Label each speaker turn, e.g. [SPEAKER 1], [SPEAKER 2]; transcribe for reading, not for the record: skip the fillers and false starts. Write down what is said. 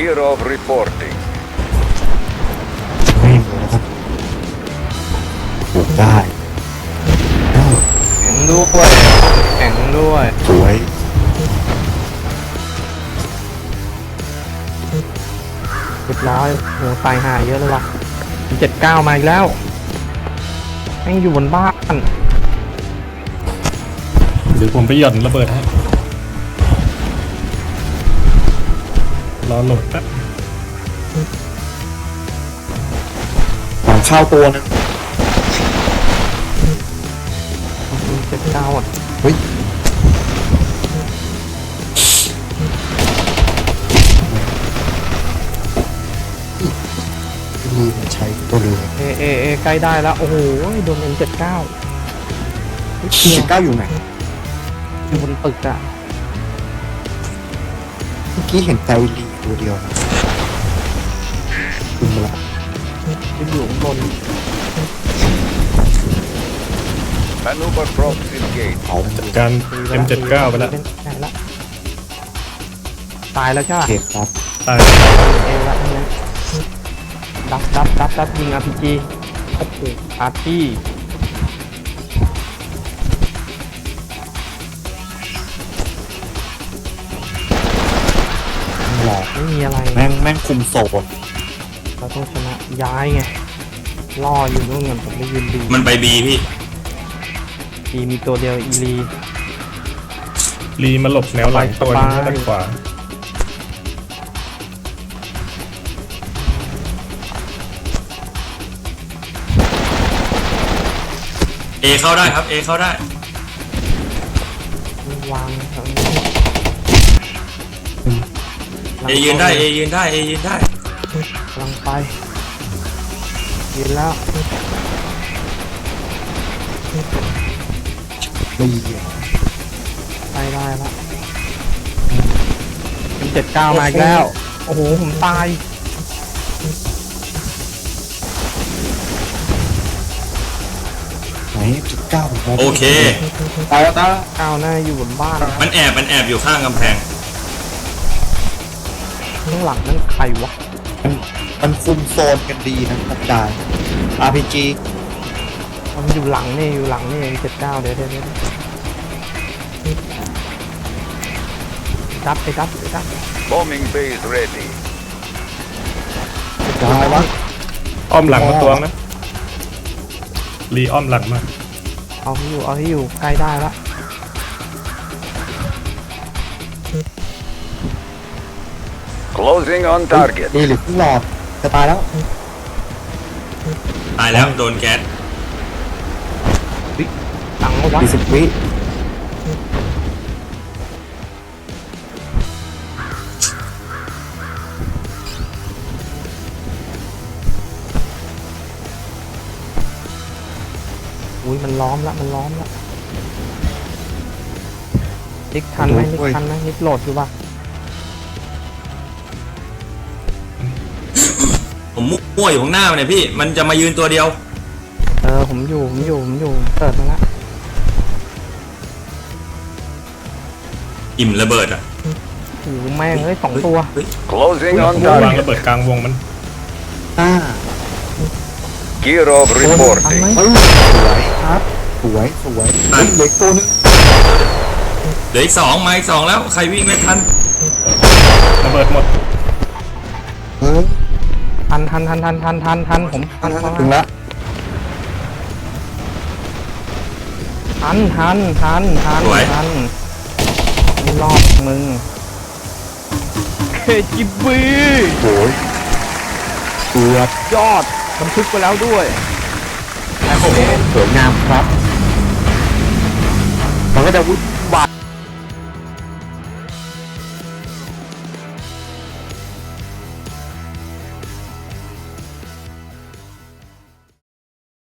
[SPEAKER 1] Gear of reporting.
[SPEAKER 2] ไม่หมดแล้วครับปลูกได้เอ้า
[SPEAKER 3] แข็งด้วยแข็งด้วย
[SPEAKER 2] สวย
[SPEAKER 3] เรียบร้อยโหตายห่าเยอะเลยว่ะ79มาอีกแล้วแม่งอยู่บนบ้าน
[SPEAKER 4] เดี๋ยวผมไปหย่อนระเบิดให้รอโหลดแป๊บ
[SPEAKER 2] หลังข้าวตัวนึง
[SPEAKER 3] 79อ่ะ
[SPEAKER 2] เฮ้ยลืมใช้ตัวเรือ
[SPEAKER 3] เอใกล้ได้แล้วโอ้โหโดน M79
[SPEAKER 2] 19อยู่ไหน
[SPEAKER 3] อยู่บนตึกอะ
[SPEAKER 2] เมื่อกี้เห็นไตลีตัวเดียวนะคุณมาละ
[SPEAKER 3] อยู่ข้างบน
[SPEAKER 1] Maneuver props engaged.
[SPEAKER 2] เอา
[SPEAKER 4] จัดการ M79 ไปแล้ว
[SPEAKER 3] ไหนละตายแล้วใช่ไหม
[SPEAKER 2] เก็บครับ
[SPEAKER 4] ตาย
[SPEAKER 3] เอละเนี่ยดับยิง RPG โอ้โหอาร์ตี้
[SPEAKER 2] หลอก
[SPEAKER 3] ไม่มีอะไร
[SPEAKER 2] แม่งคุมโซน
[SPEAKER 3] เราต้องชนะย้ายไงล่ออยู่นู่นกันผมได้ยืนดู
[SPEAKER 5] มันไปบีพี่
[SPEAKER 3] ทีมีตัวเดียวอีลี
[SPEAKER 4] รีมาหลบแนวหลังตัวนึงด้านขวา
[SPEAKER 5] เอเข้าได้ครับ เอเข้าได้
[SPEAKER 3] วางแถว
[SPEAKER 5] เอยืนได้ เอยืนได้ เอยืนได้
[SPEAKER 3] กำลังไปยืนแล้ว
[SPEAKER 2] ไม่เหี้ย
[SPEAKER 3] ไปได้ละเป็น79มาอีกแล้ว โอ้โหผมตาย
[SPEAKER 2] ไหน19ผมมอง
[SPEAKER 5] โอเค
[SPEAKER 2] ตายแล้วตาย
[SPEAKER 3] ก้าวหน้าอยู่บนบ้านนะ
[SPEAKER 5] มันแอบอยู่ข้างกำแพง
[SPEAKER 3] ข้างหลังนั่นใครวะ
[SPEAKER 2] มันคุมโซนกันดีนะครับจ่าย RPG
[SPEAKER 3] มันอยู่หลังนี่อยู่หลังนี่79เดี๋ยวดับไปดับ
[SPEAKER 1] Bombing base ready.
[SPEAKER 2] ตายวะ
[SPEAKER 4] อ้อมหลังมาตัวนะรีอ้อมหลังมา
[SPEAKER 3] เอาให้อยู่ใกล้ได้ละ
[SPEAKER 1] Closing on target.
[SPEAKER 2] ดีหรือเพิ่งหลอดจะตายแล้ว
[SPEAKER 5] ตายแล้ว โดนแก๊ส
[SPEAKER 3] หลังเอาวะ
[SPEAKER 2] 40 วิ
[SPEAKER 3] อุ้ยมันล้อมละนิกทันไหมนิกโหลดอยู่ปะ
[SPEAKER 5] ผมมั่วอยู่ข้างหน้ามันเนี่ยพี่ มันจะมายืนตัวเดียว
[SPEAKER 3] ผมอยู่เปิดมาละ
[SPEAKER 5] อิ่มระเบิดอ่ะ
[SPEAKER 3] โอ้โหแม่งเอ้ย2 ตัว
[SPEAKER 5] เฮ้ย
[SPEAKER 1] Closing on
[SPEAKER 4] วาง
[SPEAKER 1] target.
[SPEAKER 4] ระเบิดกลางวงมัน
[SPEAKER 1] Gear of
[SPEAKER 3] ทัน
[SPEAKER 1] reporting.
[SPEAKER 3] ไหม
[SPEAKER 2] เฮ้ยสวยครับสวยเฮ้ยเหล็กตัวนึง
[SPEAKER 5] เหลืออีก2มาอีก2แล้ว ใครวิ่งไม่ทัน
[SPEAKER 4] ระเบิดหมด
[SPEAKER 2] เฮ้ย
[SPEAKER 3] ทันผมทัน
[SPEAKER 2] ถึงละ
[SPEAKER 5] สวย
[SPEAKER 3] ไม่รอดมึงเคจิบี
[SPEAKER 2] โอ้ยเกือบ
[SPEAKER 3] ยอดบันทึกไปแล้วด้วย
[SPEAKER 5] โอ้โห
[SPEAKER 2] สวยงามครับ มันก็จะวุ่น